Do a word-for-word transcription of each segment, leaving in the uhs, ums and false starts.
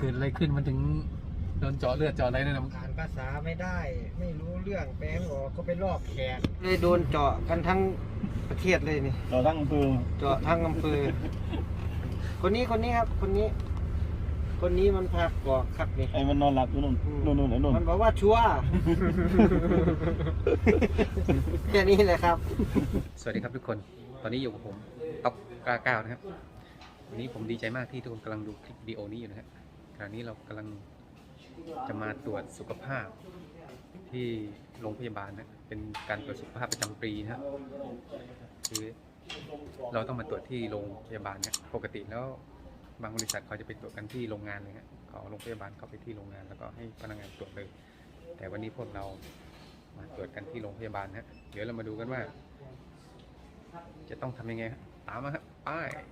กิดอะไรขึ้นมันถึงโดนเจาะเลือดเจาะอะไรนั่นนะอ่านภาษาไม่ได้ไม่รู้เรื่องแปลงออกก็ไปลอกแขกเลยโดนเจาะกันทั้งประเทศเลยนี่เราทั้งอำเภอเจาะทั้งอำเภอคนนี้คนนี้ครับคนนี้ คนนี้มันพากอกครับนี่ไอ้มันนอนหลับอยู่นู่นนู่นนู่นไอ้นู่นมันบอกว่าชัวร์ แค่นี้เลยครับสวัสดีครับทุกคนตอนนี้อยู่กับผมต๊อกกล้าก้าวนะครับวันนี้ผมดีใจมากที่ทุกคนกำลังดูคลิปวิดีโอนี้อยู่นะครับขณะนี้เรากำลังจะมาตรวจสุขภาพที่โรงพยาบาลนะเป็นการตรวจสุขภาพประจำปีนะครับคือเราต้องมาตรวจที่โรงพยาบาลเนี่ยปกติแล้วบางบริษัทเขาจะไปตรวจกันที่โรงงานเลยฮะเขาโรงพยาบาลเข้าไปที่โรงงานแล้วก็ให้พนักงานตรวจเลยแต่วันนี้พวกเรามาตรวจกันที่โรงพยาบาลนะเดี๋ยวเรามาดูกันว่าจะต้องทำยังไงครับตามมาครับไป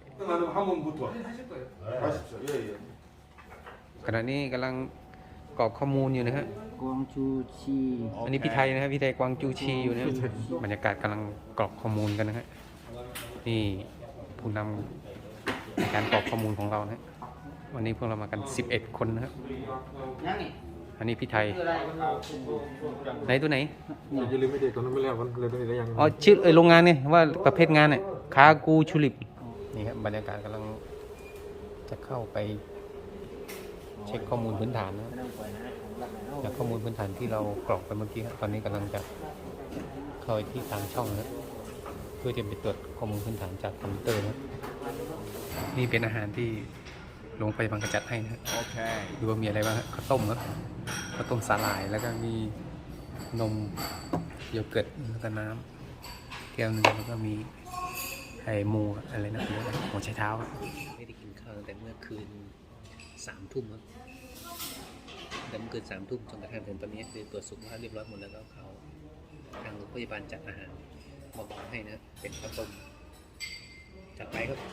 ขณะนี้กำลังกรอกข้อมูลอยู่นะฮะกวางจูชีอันนี้พี่ไทยนะครับพี่ไทยกวางจูชีอยู่นะครับบรรยากาศกำลังกรอกข้อมูลกันนะฮะนี่ผู้นำในการกรอกข้อมูลของเรานะวันนี้พวกเรามากันสิบเอ็ดคนนะครับอันนี้พี่ไทยไหนตัวไหนอย่าลืมไม่เด็กตอนนั้นไม่แล้วกันเลยตัวนี้ได้ยังอ๋อชื่อเออโรงงานเนี่ยว่าประเภทงานเนี่ยคากูชูลิปนี่ครับบรรยากาศกำลังจะเข้าไปเช็คข้อมูลพื้นฐานนะจากข้อมูลพื้นฐานที่เรากรอกไปเมื่อกี้ครับตอนนี้กำลังจะเข้าไปที่ตามช่องนะเพื่อจะไปตรวจข้อมูลพื้นฐานจากคอมพิวเตอร์นะนี่เป็นอาหารที่โรงพยาบาลกระจัดให้นะโอเคดูว่ามีอะไรบ้างข้าวต้มครับข้าวต้มสาหร่ายแล้วก็มีนมโยเกิร์ตแล้วก็น้ำแก้วนึงแล้วก็มีไข่มูอะไรนะหัวไชเท้าไม่ได้กินข้าวตั้งแต่เมื่อคืนสามทุ่มครับแต่เมื่อคืนสามทุ่มจนกระทั่งถึงตอนนี้คือตรวจสุขภาพเรียบร้อยหมดแล้วก็เขาทางโรงพยาบาลจัดอาหารมาบอกให้นะเป็นข้าวต้มจัดไปครับ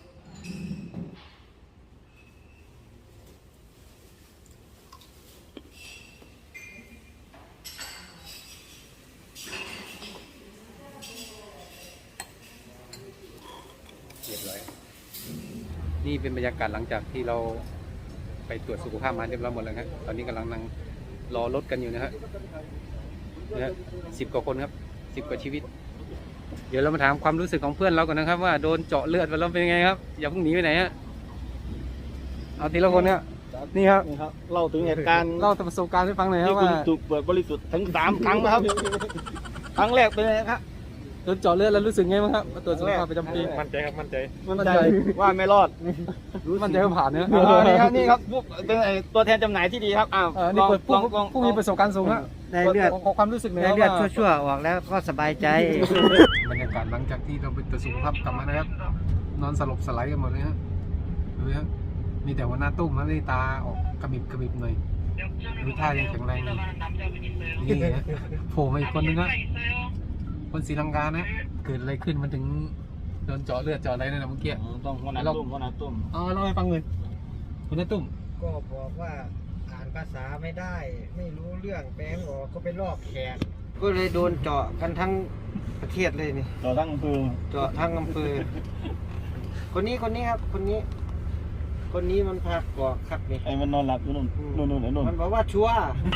เรียบร้อยนี่เป็นบรรยากาศหลังจากที่เราไปตรวจสุขภาพมาเรียบร้อยหมดแล้วครับตอนนี้กำลังนั่งรอรถกันอยู่นะฮะนะสิบกว่าคนครับสิบกว่าชีวิตเดี๋ยวเรามาถามความรู้สึกของเพื่อนเราก่อนนะครับว่าโดนเจาะเลือดไปแล้วเป็นยังไงครับอย่าเพิ่งหนีไปไหนฮะเอาทีละคนเนี่ยนี่ครับนี่ครับเล่าถึงเหตุการณ์เล่าประสบการณ์ให้ฟังหน่อยครับที่คุณว่าถูกเปิดบริสุทธิ์ถึงสามครั้งนะครับ ครั้งแรกเป็นไงครับโดนเจาะเลือดแล้วรู้สึกไงบ้างครับมาตรวจสุขภาพประจำปีมั่นใจครับมั่นใจมั่นใจว่าไม่รอดมั่นใจว่าผ่านเนื้ออ๋อนี่ครับนี่ครับผู้เป็นไอ้ตัวแทนจำหน่ายที่ดีครับอ้าวเออนี่เปิดลผู้องลองผู้มีประสบการณ์สูงฮะได้เลือดขอความรู้สึกหน่อยได้ครับเลือดว่าชั่วๆออกแล้วก็สบายใจบรรยากาศหลังจากที่เราไปตรวจสุขภาพกลับมานะครับนอนสลบสไลด์กันหมดเลยฮะดูฮะมีแต่หัวหน้าตุ้มนะที่ตาออกกระบิบกระบิบหน่อยดูท่ายังแข็งแรงอยู่นี่ฮะโผล่มาอีกคนนึงฮะคนศรีลังกานะเกิดอะไรขึ้นมันถึงโดนเจาะเลือดเจาะอะไรนั่นนะเมื่อกี้ต้องหัวหน้าตุ้มหัวหน้าตุ้มอ๋อเล่าให้ฟังเลยคุณน้าตุ้มก็บอกว่าอ่านภาษาไม่ได้ไม่รู้เรื่องแปลงออกก็ไปลอกแขกก็เลยโดนเจาะกันทั้งประเทศเลยนี่เราทั้งอำเภอเจาะทั้งอำเภอคนนี้คนนี้ครับคนนี้ คนนี้มันพากอกครับนี่ไอ้มันนอนหลับอยู่นู่นนู่นนู่นไอ้นู่นมันบอกว่าชัวร์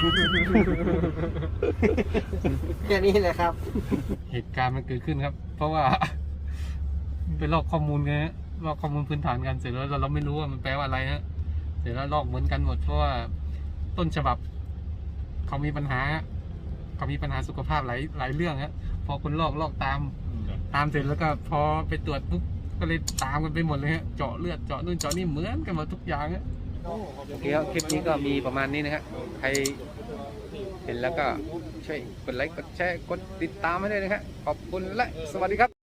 แค่นี้เลยครับเหตุการณ์มันเกิดขึ้นครับ เพราะว่า ไปลอกข้อมูลไงฮะลอกข้อมูลพื้นฐานกันเสร็จแล้วเราเราไม่รู้ว่ามันแปลว่าอะไรฮะเสร็จแล้วลอกเหมือนกันหมดเพราะว่าต้นฉบับเขามีปัญหาเขามีปัญหาสุขภาพหลายหลายเรื่องฮะพอคนลอกลอกตามตามเสร็จแล้วก็พอไปตรวจปุ๊บก็เลยตามกันไปหมดเลยฮะเจาะเลือดเจาะนู่นเจาะนี่เหมือนกันหมดทุกอย่างฮะโอเคครับคลิปนี้ก็มีประมาณนี้นะฮะใครเห็นแล้วก็ช่วยกดไลค์กดแชร์กดติดตามให้ด้วยนะฮะขอบคุณและสวัสดีครับ